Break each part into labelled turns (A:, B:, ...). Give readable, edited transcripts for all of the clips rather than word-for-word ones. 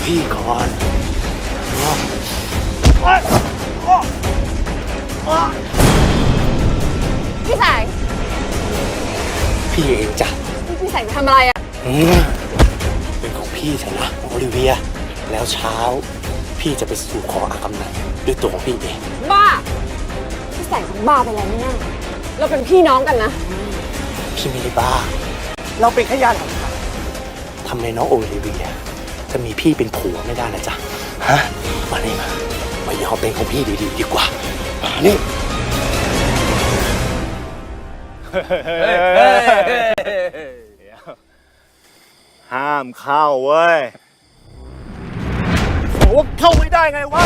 A: พี่ก่อน
B: พี่แสง
A: พี่เองจ้ะ
B: พี่แสงทำอะไรอ่ะ
A: เป็นของพี่เถอะนะโอลิเวียแล้วเช้าพี่จะไปสู่ขออากำนันด้วยตัวของพี่เอง
B: บ้า พี่แสงบ้าไปแล้วแน่ๆเราเป็นพี่น้องกันนะ
A: พี่ไม่ได้บ้าเราเป็นแค่ญาติห่างทำไมน้องโอลิเวียจะมีพี่เป็นผัวไม่ได้นะจ๊ะฮะมานี่มายอมเป็นของพี่ดีๆดีกว่ามานี่
C: ห้ามเข้าเว้ย
A: โอ้เข้าไม่ได้ไงวะ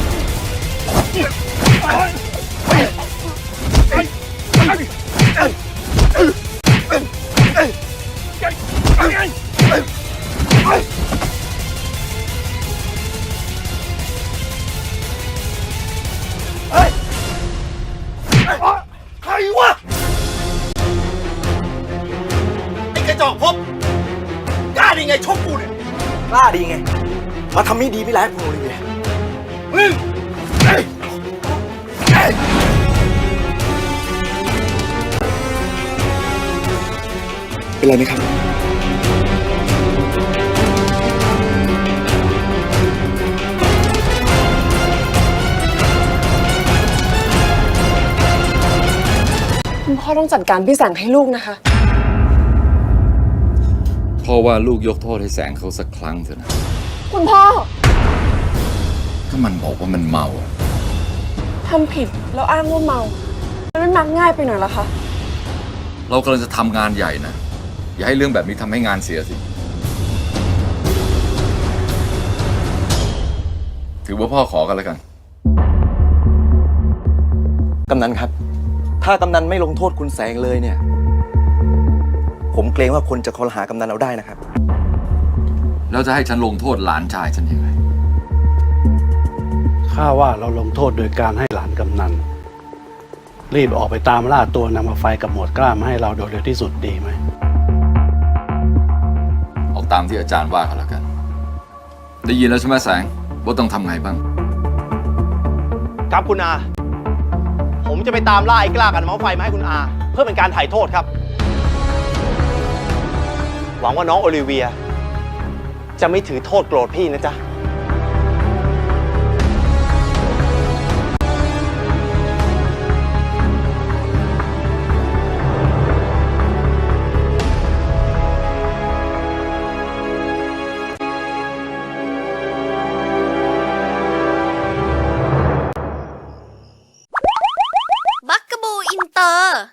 A: ใครวะไอ้กระจอกพบกล้าดีไงชกกูเนี่ยกล้าดีไงมาทำไม่ดีไม่ร้ายคุณโอลิเวียเป็นไรไหมครับ
B: คุณพ่อต้องจัดการพี่แสงให้ลูกนะคะ
D: พ่อว่าลูกยกโทษให้แสงเขาสักครั้งเถอะนะ
B: คุณพ่อ
D: ถ้ามันบอกว่ามันเมา
B: ทำผิดแล้วอ้างว่าเมามันไม่มักง่ายไปหน่อยเหรอคะ
D: เรากำลังจะทำงานใหญ่นะ อย่าให้เรื่องแบบนี้ทำให้งานเสียสิ ถือว่าพ่อขอกันแล้วกัน
E: กำนันครับ ถ้ากำนันไม่ลงโทษคุณแสงเลยเนี่ย ผมเกรงว่าคนจะคอรหากำนันเอาได้นะครับ
D: แล้วจะให้ฉันลงโทษหลานชายฉันยังไง
F: ข้าว่าเราลงโทษโดยการให้หลานกำนันรีบออกไปตามล่าตัวนำมาไฟกับหมวดกล้ามาให้เราโดยเร็วที่สุดดีไหม
D: เอาตามที่อาจารย์ว่ากันแล้วกัน ได้ยินแล้วใช่ไหมแสงว่าต้องทำไงบ้าง
C: ครับคุณอา ผมจะไปตามล่าไอ้กล้ากันเมาไฟมาให้คุณอา เพื่อเป็นการถ่ายโทษครับ หวังว่าน้องโอลิเวีย จะไม่ถือโทษโกรธพี่นะจ๊ะ
G: バックボーンインター